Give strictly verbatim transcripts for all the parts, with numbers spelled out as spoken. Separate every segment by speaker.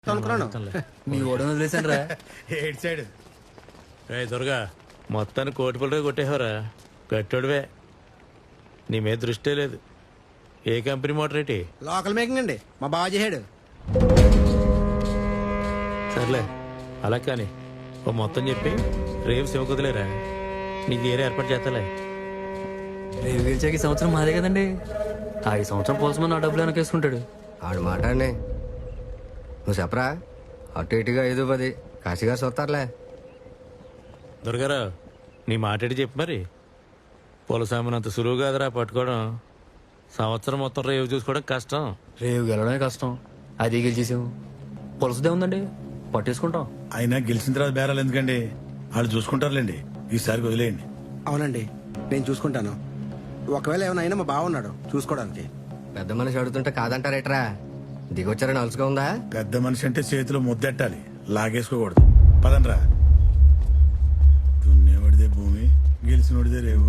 Speaker 1: మీ ఓడను వదిలేసాను రా.
Speaker 2: ఏడ్ సైడ్
Speaker 3: రే దుర్గా మొత్తాన్ని కోటి పిల్లగా కొట్టేవరా గట్టోడివే. నీ మీద దృష్టే లేదు. ఏ కంపెనీ మోటర్ ఏంటి?
Speaker 4: లోకల్ మేకింగ్ అండి, మా బావ చేసాడు.
Speaker 3: సర్లే అలా కానీ ఓ మొత్తం చెప్పి రేపు శివ కుదిలేరా నీకు ఏరే ఏర్పాటు చేస్తాలే.
Speaker 1: రేవు గెలిచాక ఈ సంవత్సరం మాదే కదండి. ఆ ఈ సంవత్సరం పోల్సమని నా డబ్బులు వెనకేసుకుంటాడు.
Speaker 5: ఆడు మాట అండి, నువ్వు చెప్పరా. అటు ఇటుగా ఐదు పది కాశీగా చూస్తారులే.
Speaker 3: దుర్గారావు నీ మాట్లాడి చెప్పు మరి. పొలసామినంత సులువు కాదురా పట్టుకోవడం. సంవత్సరం మొత్తం రేవు చూసుకోవడం కష్టం.
Speaker 1: రేవు గెలవడమే కష్టం, అది గెలిచేసాము. పొలసదే ఉందండి, పట్టేసుకుంటాం.
Speaker 2: అయినా గెలిచిన తర్వాత బేరాలు ఎందుకండి, వాళ్ళు చూసుకుంటారులేండి. ఈసారి వదిలేయండి.
Speaker 4: అవునండి, నేను చూసుకుంటాను. ఒకవేళ ఏమైనా అయినా మా బావ ఉన్నాడు చూసుకోవడానికి.
Speaker 5: పెద్ద మనిషి అడుగుతుంటే కాదంటారేట్రా? దిగొచ్చారని అలసుగా ఉందా?
Speaker 2: పెద్ద మనిషి అంటే చేతిలో ముద్దెట్టాలి, లాగేసుకోకూడదు. పదండ్రా. దున్నేవాడిదే భూమి, గెలిచినోడిదే రేవు.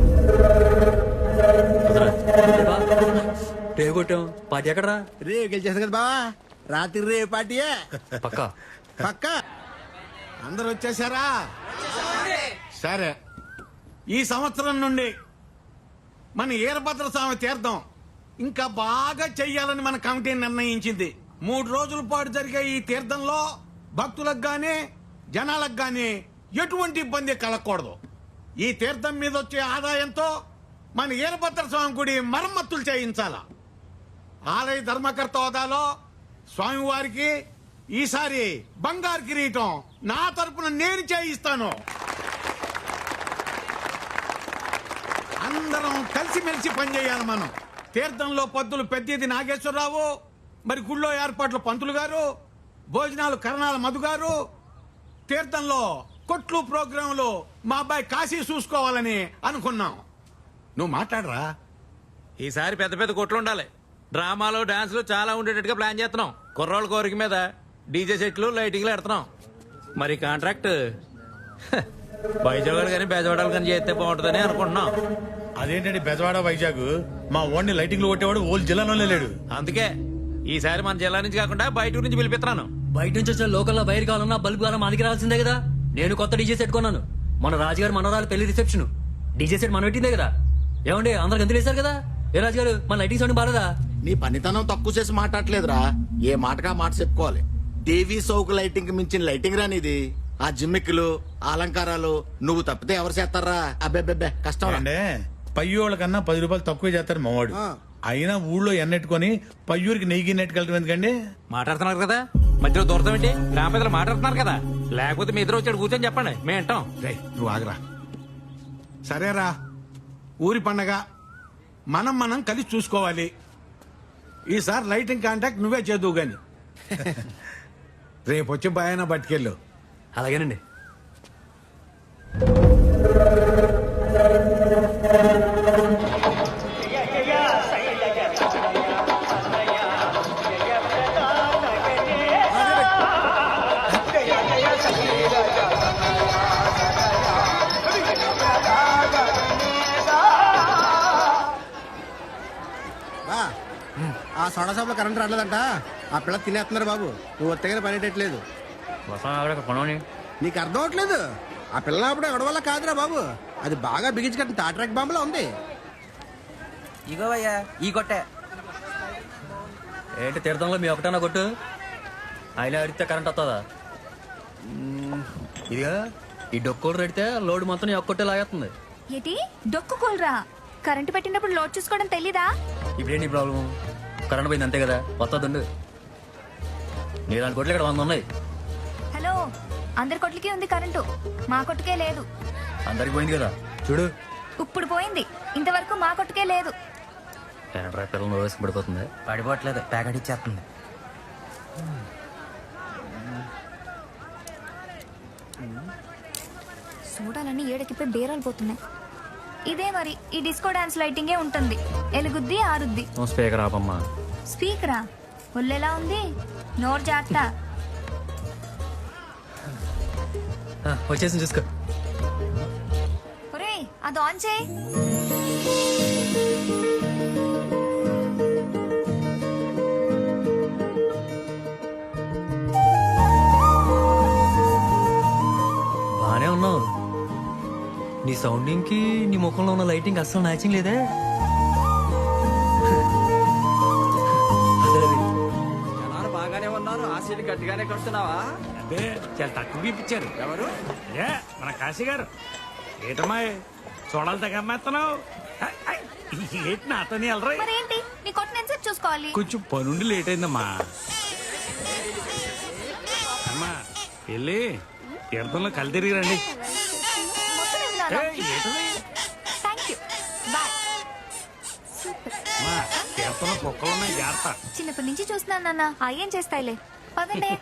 Speaker 1: రేవు కొట్టాం, పార్టీ ఎక్కడరా?
Speaker 4: రేవు గెలిచేసాను కదా బావా, రాత్రి రేవు పార్టీయే
Speaker 1: పక్క
Speaker 4: పక్క.
Speaker 6: అందరు వచ్చేసారా? సరే, ఈ సంవత్సరం నుండి మన ఈరభద్ర స్వామి తీర్థం ఇంకా బాగా చెయ్యాలని మన కమిటీ నిర్ణయించింది. మూడు రోజుల పాటు జరిగే ఈ తీర్థంలో భక్తులకు గానీ జనాలకు గానీ ఎటువంటి ఇబ్బంది కలగకూడదు. ఈ తీర్థం మీద వచ్చే ఆదాయంతో మన ఈరభద్ర స్వామి గుడి మరమ్మతులు చేయించాల. ఆలయ ధర్మకర్త హోదాలో స్వామివారికి ఈసారి బంగారు కిరీటం నా తరపున నేను చేయిస్తాను. అందరం కలిసిమెలిసి పనిచేయాలి. మనం తీర్థంలో పద్దులు పెద్దది నాగేశ్వరరావు, మరి గుళ్ళో ఏర్పాట్లు పంతులు గారు, భోజనాలు కరణాల మధు గారు, తీర్థంలో కొట్లు ప్రోగ్రాంలు మా అబ్బాయి కాశీ చూసుకోవాలని అనుకున్నాం. నువ్వు మాట్లాడరా.
Speaker 3: ఈసారి పెద్ద పెద్ద కొట్లు ఉండాలి. డ్రామాలు డాన్సులు చాలా ఉండేటట్టుగా ప్లాన్ చేస్తున్నాం. కుర్రోళ్ళ కోరిక మీద డీజే సెట్లు లైటింగ్లు పెడుతున్నాం. మరి కాంట్రాక్ట్ వైజాగ్ కానీ బెజవాడలు కానీ చేస్తే బాగుంటుందని అనుకుంటున్నాం.
Speaker 2: అదేంటండి బెజవాడ వైజాగ్, మా ఓన్లీ లైటింగ్లు కొట్టేవాడు ఓల్ జిల్లాలోనే లేడు.
Speaker 3: అందుకే ఈసారి మన జిల్లా నుంచి కాకుండా బయట నుంచి పిలిపిస్తున్నాను.
Speaker 1: బయట నుంచి వచ్చిన లోకల్లో వైర్ కావాలన్నా బల్బు కావాలన్నా మనకి రావాల్సిందే కదా. నేను కొత్త డీజే సెట్ కొన్నాను. మన రాజుగారు మనవరాలు పెళ్లి రిసెప్షన్ డీజే సెట్ మనం పెట్టిందే కదా. ఏమండి అందరు గంతులు వేశారు కదా. ఏ రాజుగారు మన లైటింగ్ సౌండ్ బాలేదా?
Speaker 7: నీ పనితనం తక్కువ చేసి మాట్లాడలేదురా. ఏ మాటగా మాట చెప్పుకోవాలి. టీవీ సౌకు లైటింగ్ కి మించిన లైటింగ్ రానిది. ఆ జిమ్మిక్కులు అలంకారాలు నువ్వు తప్పితే ఎవరు చేస్తారా? అబ్బెబ్బెబ్బే కష్టం.
Speaker 2: అంటే పయ్యోళ్ళ కన్నా పది రూపాయలు తక్కువ చేస్తారు మావాడు. అయినా ఊళ్ళో ఎన్నెట్టుకొని పయ్యూరికి నెయ్యి నెట్టుకెళ్ళటం ఎందుకండి?
Speaker 3: మాట్లాడుతున్నారు కదా, మధ్యలో దూరతం ఏంటి? గ్రామ పెద్దలు మాట్లాడుతున్నారు కదా, లేకపోతే మీ ఇద్దరు వచ్చాడు కూర్చొని చెప్పండి, మేము వింటాం.
Speaker 6: రేయ్, నువ్వు ఆగరా. సరేరా, ఊరి పండగ మనం మనం కలిసి చూసుకోవాలి. ఈసారి లైటింగ్ కాంటాక్ట్ నువ్వే చేదువు గాని. రేపు వచ్చి బాయన పట్టుకెళ్ళు.
Speaker 1: అలాగేనండి.
Speaker 4: ఆ సోడా షాప్ లో కరెంట్ రావట్లేదంట. ఆ పిల్ల తినేస్తున్నారు బాబు. నువ్వు ఒత్తగానే పనిటట్లేదు. నీకు అర్థం అవట్లేదు. ఆ పిల్ల అప్పుడు ఎవడ వల్ల కాదురా బాబు, అది బాగా బిగించి కట్టిన తాట్రాక్ బాంబులో ఉంది.
Speaker 8: ఇగోయ్యా ఈ కొట్టే
Speaker 1: ఏంటి తీర్థంలో మీ ఒకటన్నా కొట్టు, అయినా అడిగితే కరెంట్ వస్తుందా? ఇదిగా ఈ డొక్కోలు రెడితే లోడ్ మొత్తం నీ ఒక్కొట్టే లాగేస్తుంది.
Speaker 9: ఏంటి డొక్కు కూలరా? కరెంటు పెట్టినప్పుడు లోడ్ చూసుకోవడం తెలీదా?
Speaker 1: ఇప్పుడేంటి ప్రాబ్లం? కరెంట్ పోయింది అంతే కదా, వస్తుందండు. నీ దాని కొట్లు ఇక్కడ వంద ఉన్నాయి.
Speaker 9: హలో, అందరి కొట్లకి ఉంది కరెంటు, మా కొట్టుకే లేదు.
Speaker 1: అందరికి పోయింది కదా చూడు.
Speaker 9: ఇప్పుడు పోయింది, ఇంతవరకు మా కొట్టుకే లేదు.
Speaker 1: ఏంట్రా పిల్లలు వేసి పడిపోతుంది.
Speaker 8: పడిపోవట్లేదు, ప్యాకెట్ ఇచ్చేస్తుంది.
Speaker 9: చూడాలని ఏడకిపోయి బేరాలు పోతున్నాయి. ఇదే మరి ఈ డిస్కో డాన్స్ లైటింగే ఉంటుంది. ఎలుగుద్ది ఆరుద్ది.
Speaker 1: స్పీకర్ ఆపమ్మా.
Speaker 9: స్పీకరా? ఒళ్ళెలా ఉంది, నోరు జాగ్రత్త.
Speaker 1: వచ్చేసి చూసుకో.
Speaker 9: ఒరేయ్ అది ఆన్ చేయి.
Speaker 1: నీ సౌండింగ్ కి నీ ముఖంలో ఉన్న లైటింగ్ అస్సలు మ్యాచింగ్ లేదే.
Speaker 8: జనాలు బాగానే ఉన్నారు ఆ సీట్ గట్టిగానే కడుతున్నావా?
Speaker 3: అదే చాలా తక్కువ ఇప్పించారు.
Speaker 8: ఎవరు?
Speaker 3: ఏ మన కాశీ గారు. ఏటమ్మా చూడాలి తెగ అమ్మేస్తున్నావు. ఏంటి నాతోని వెళ్ళరా?
Speaker 9: మరేంటి నీ కొట్టిన ఎంతసేపు చూసుకోవాలి?
Speaker 3: కొంచెం పనుండి లేట్ అయిందమ్మా. అమ్మా వెళ్ళి తీర్థంలో కళ్ళు తిరిగి రండి.
Speaker 9: మొత్తం ఇవ్వనాలా?
Speaker 3: ఏంటది
Speaker 9: థ్యాంక్ యూ బాయ్.
Speaker 3: అమ్మా తీర్థంలో కుక్కలు ఉన్నాయి జాగ్రత్త.
Speaker 9: చిన్నప్పటి నుంచి చూస్తున్నాను నాన్న, అయ్యేం చేస్తాయిలే. పదండి.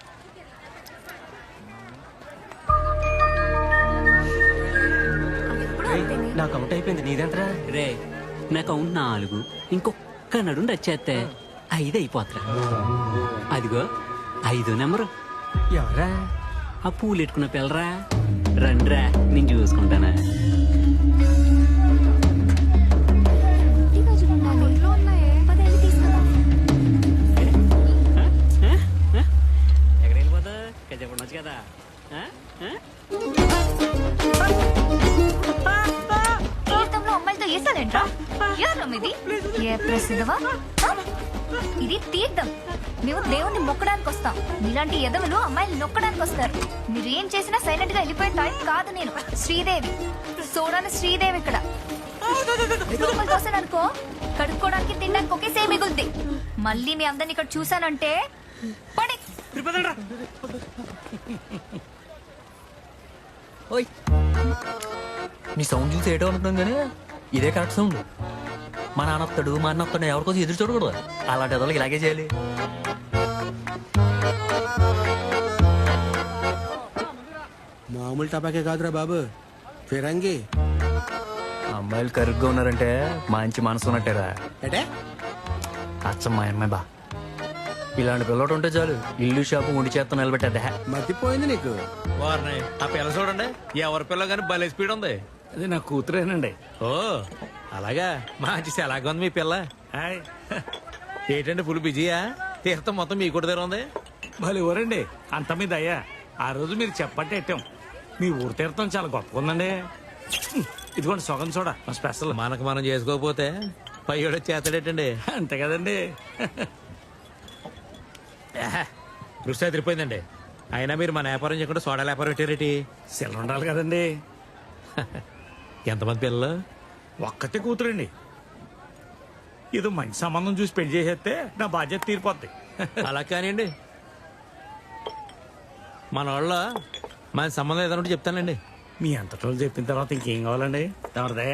Speaker 9: ఎప్పుడు అంతేనే.
Speaker 8: నాకు అవుట్ అయిపోయింది నీదంతరా?
Speaker 10: రే నాకు అవును నాలుగు, ఇంకొక్క నడు వచ్చేస్తే ఐదు అయిపోతురా. అదిగో ఐదో నెంబరు.
Speaker 8: ఎవరా?
Speaker 10: ఆ పూలు ఎట్టుకున్న పిల్లరా. రండ్రా నేను చూసుకుంటానా.
Speaker 9: ఈ రోజులు ఉండాలి. పదేళ్ళు తీసుకుందాం.
Speaker 10: ఎక్కడ వెళ్ళిపోతా చెప్పండి వచ్చు కదా. ఆ? ఆ?
Speaker 9: తీర్థంలో అమ్మాయిలతో వేసాదేంట్రా? ఎవరు ఇది? ఏ ప్రసిద్ధవా? ఇది తీర్థం. మేము దేవుణ్ణి మొక్కడానికి వస్తాం. ఇలాంటి ఎదవలు అమ్మాయిలు నొక్కడానికి వస్తారు. మీరు ఏం చేసినా సైలెంట్ గా వెళ్ళిపోయే టైప్ కాదు నేను. శ్రీదేవి చూడని శ్రీదేవి ఇక్కడ రూపాయలు తోసాననుకో కడుక్కోవడానికి తినడానికి ఒకేసే మిగులుద్ది. మళ్ళీ మీ అందరిని ఇక్కడ చూసానంటే పడి.
Speaker 1: ఓయ్ నీ సౌండ్ చూసి ఏటో అనుకున్నాం కానీ ఇదే కరెక్ట్ సౌండ్. మా నాన్న వస్తాడు మా అన్న వస్తాడు ఎవరికోసం ఎదురు చూడకూడదు. అలాంటి ఎదలకి ఇలాగే చేయాలి.
Speaker 4: మామూలు టపాకే కాదురా బాబు, ఫిరంగి.
Speaker 1: అమ్మాయిలు కరుగ్గా ఉన్నారంటే మంచి మనసు ఉన్నట్టేరా.
Speaker 4: అంటే
Speaker 1: అచ్చం మా అమ్మాయి బా. ఇలాంటి పిల్లడు ఉంటే చాలు ఇల్లు షాపు ఉండి చేత్తో నిలబెట్టేద్దా.
Speaker 4: మతిపోయింది నీకు.
Speaker 3: వారిని ఆ పిల్ల చూడండి ఎవరి పిల్ల కానీ భలే స్పీడ్ ఉంది. అది నా కూతురేనండి. ఓ అలాగా మంచి ఎలాగ ఉంది మీ పిల్ల. హాయ్ ఏంటండి ఫుల్ బిజీయా? తీర్థం మొత్తం మీ కూడా దగ్గర ఉంది. భలే ఊరండి అంత మీద అయ్యా. ఆ రోజు మీరు చెప్పట్టు ఎట్టాం. మీ ఊరు తీర్థం చాలా గొప్పగా ఉందండి. ఇదిగోండి సొగం చూడ స్పెషల్. మనకు మనం చేసుకోకపోతే పయ్యోడు చేస్తాడేటండి. అంతే కదండి. దృష్టి అదిరిపోయిందండి. అయినా మీరు మన వ్యాపారం చేయకుండా సోడా వ్యాపారం పెట్టారేటి? సెల్ ఉండాలి కదండి. ఎంతమంది పిల్లలు? ఒక్కతే కూతురండి. ఏదో మంచి సంబంధం చూసి పెళ్లి చేసేస్తే నా బాధ్యత తీరిపోద్ది. అలా కానివ్వండి. మన వాళ్ళ మన సంబంధం ఏదైనా చెప్తానండి. మీ అంతటోళ్ళు చెప్పిన తర్వాత ఇంకేం కావాలండి? ఎవరిదయ్యా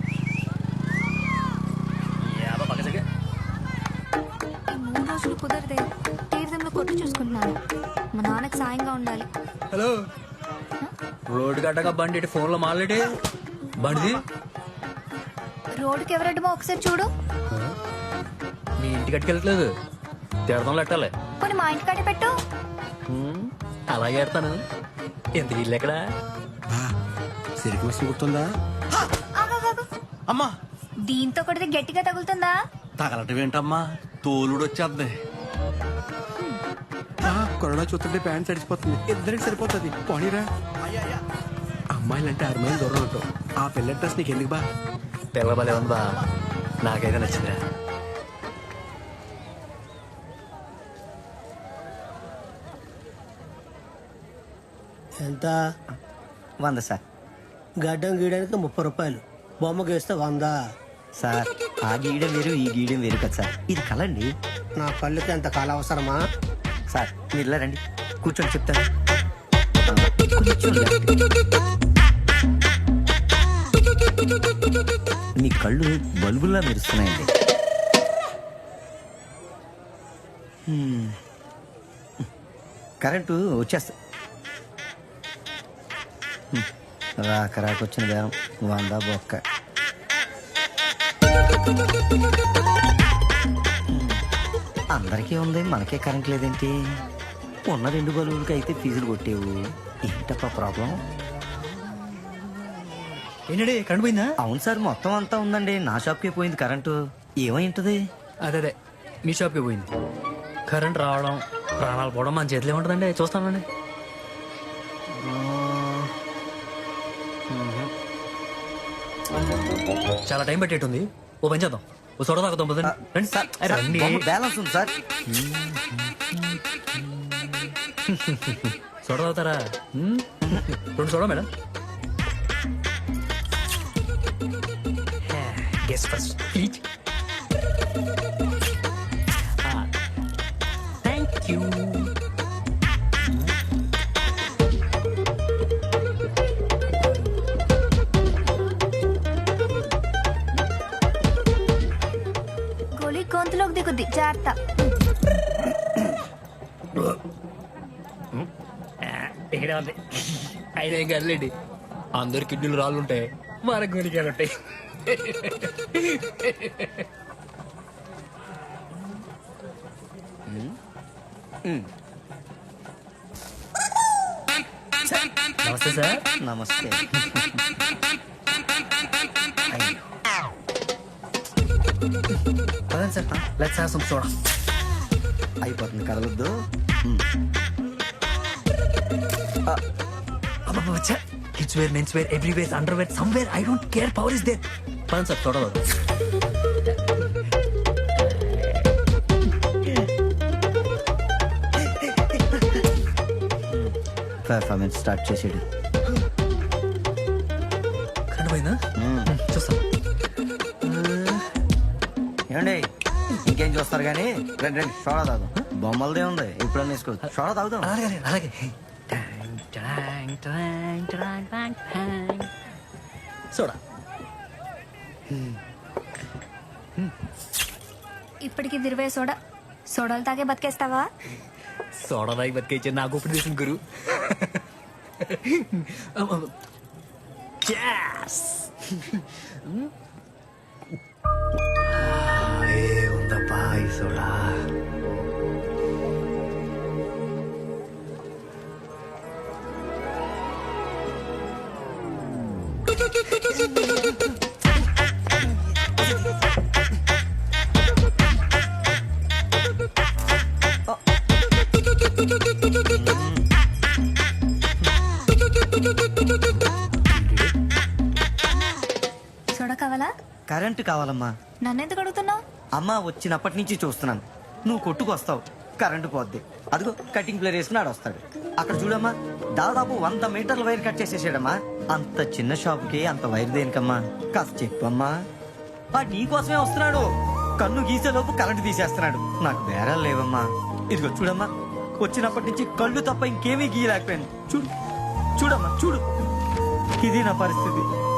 Speaker 9: ఈ మూడు రోజులు కుదరదే. తీర్థంలో కొట్టు చూసుకుంటున్నాను. మా నాన్నకి సాయంగా ఉండాలి.
Speaker 1: హలో రోడ్డు గడ్డగా బండి ఇటు ఫోన్లో మాట్లాడి బండిది.
Speaker 9: రోడ్డుకి ఎవరడ్డమో ఒకసారి చూడు.
Speaker 1: మీ ఇంటికి అట్టుకెళ్ళట్లేదు తీర్థంలో ఎట్టాలి.
Speaker 9: పోనీ మా ఇంటికాడే పెట్టు.
Speaker 1: హ్మ్, అలాగే ఎడతాను. ఎంత ఇల్లు ఎక్కడా?
Speaker 4: సిరికి మిషన్ గుర్తుందా?
Speaker 9: ఆగాగాగు.
Speaker 8: అమ్మా
Speaker 9: దీంతో కొడితే గట్టిగా తగులుతుందా?
Speaker 8: తగలటం ఏంటమ్మా? తోలుడు వచ్చేద్ది.
Speaker 4: కరోనా చూస్తుంటే ప్యాంట్ సడిచిపోతుంది. ఇద్దరికి సరిపోతుంది. పోనీరా. అమ్మాయిలంటే ఆరు మైలు దూరం ఉంటావు. ఆ పిల్ల డ్రెస్ నీకు ఎందుకు బా?
Speaker 1: పిల్ల భలే ఉంది బా. నాకైతే నచ్చిందిరా.
Speaker 4: ఎంత?
Speaker 8: వంద సార్.
Speaker 4: గడ్డం గీయడానికి ముప్పై రూపాయలు. బొమ్మ గీస్తే వంద.
Speaker 8: సార్ ఆ గీయడం వేరు ఈ గీయడం వేరు కదా సార్. ఇది కలండి.
Speaker 4: నా కళ్ళకి ఎంత కాలం అవసరమా?
Speaker 8: సార్ మీరు ఇలా రండి కూర్చొని చెప్తాను. మీ కళ్ళు బల్బుల్లా మెరుస్తున్నాయండి. హ్మ్. కరెంటు వచ్చేస్తా. హ్మ్. రాక రాక వచ్చిన బేరం వంద బొక్క. అందరికీ ఉంది మనకే కరెంట్ లేదేంటి? ఉన్న రెండు బలువులకి అయితే ఫీజులు కొట్టేవు. ఏంటప్పా ప్రాబ్లం?
Speaker 1: ఏంటండి కరెంట్ పోయిందా?
Speaker 8: అవును సార్ మొత్తం అంతా ఉందండి. నా షాప్కే పోయింది కరెంటు. ఏమై ఉంటుంది?
Speaker 1: అదే అదే మీ షాప్కి పోయింది. కరెంట్ రావడం ప్రాణాలు పోవడం మన చేతిలో ఉంటుందండి. చూస్తానండి. చాలా టైం పెట్టేటుంది ఓ పని చేద్దాం ఓ సోడా తాగుతాం పదండి. రండి
Speaker 8: సార్
Speaker 1: అరే, రండి.
Speaker 8: బ్యాలెన్స్ ఉంది సార్.
Speaker 1: సోడా తాగుతారా మ్మ్? రెండు soda madam. Guest first please. Thank you.
Speaker 9: గోళీ గొంతులోకి దిగుద్ది జాగ్రత్త.
Speaker 1: ఇక్కడ ఉంది అయినా ఏం కదలేండి అందరు కిడ్నీలు రాళ్ళు ఉంటాయి మన గోలికాయలు ఉంటాయి. నమస్తే సార్.
Speaker 8: నమస్తే.
Speaker 1: పదండి sir let's have some soda.
Speaker 8: అయిపోతుంది కదలొద్దు.
Speaker 1: Kids wear men's wear everywhere underwear somewhere I don't care power is there. పదండి సార్ సోడా తాగుదాం.
Speaker 8: పర్ఫార్మెన్స్ స్టార్ట్ చేసాడు.
Speaker 1: కరెంట్ పోయిందా చూస్తాం.
Speaker 8: ఏమండి ఇంకేం చూస్తారు కానీ రండి రండి సోడా తాగుదాం. బొమ్మలదే ఉంది ఎప్పుడన్నా వేసుకోవచ్చు. సోడా తాగుదాం.
Speaker 1: అలాగే అలాగే. టాంగ్, టాంగ్, టాంగ్, టాంగ్, టాంగ్. సోడా.
Speaker 9: ఇప్పటికి దిరివే సోడా. సోడాలు తాగే బతికేస్తావా?
Speaker 1: సోడా తాగి బతికేచ్చే నాకు ఇప్పుడు చేసిన గురు. Yes! ఏ ఉందప్పా ఈ సోడా.
Speaker 9: సోడా కావాలా?
Speaker 8: కరెంటు కావాలమ్మా.
Speaker 9: నన్నెందుకు అడుగుతున్నావు?
Speaker 8: అమ్మ వచ్చినప్పటి నుంచి చూస్తున్నాను నువ్వు కొట్టుకొస్తావు కరెంటు పోద్ది. అదిగో కటింగ్ ప్లేర్ వేసుకుని ఆడొస్తాడు. అక్కడ చూడమ్మా దాదాపు వంద మీటర్ల వైర్ కట్ చేసేసాడమ్మా. అంత చిన్న షాప్కి అంత వైర్ దేనికమ్మా? కాస్త చెప్పమ్మా. ఆ నీకోసమే వస్తున్నాడు. కన్ను గీసేలోపు కరెంటు తీసేస్తున్నాడు. నాకు బేరాలు లేవమ్మా. ఇదిగో చూడమ్మా వచ్చినప్పటి నుంచి కళ్ళు తప్ప ఇంకేమీ గీయలేకపోయాను. చూడు చూడమ్మా చూడు ఇది నా పరిస్థితి.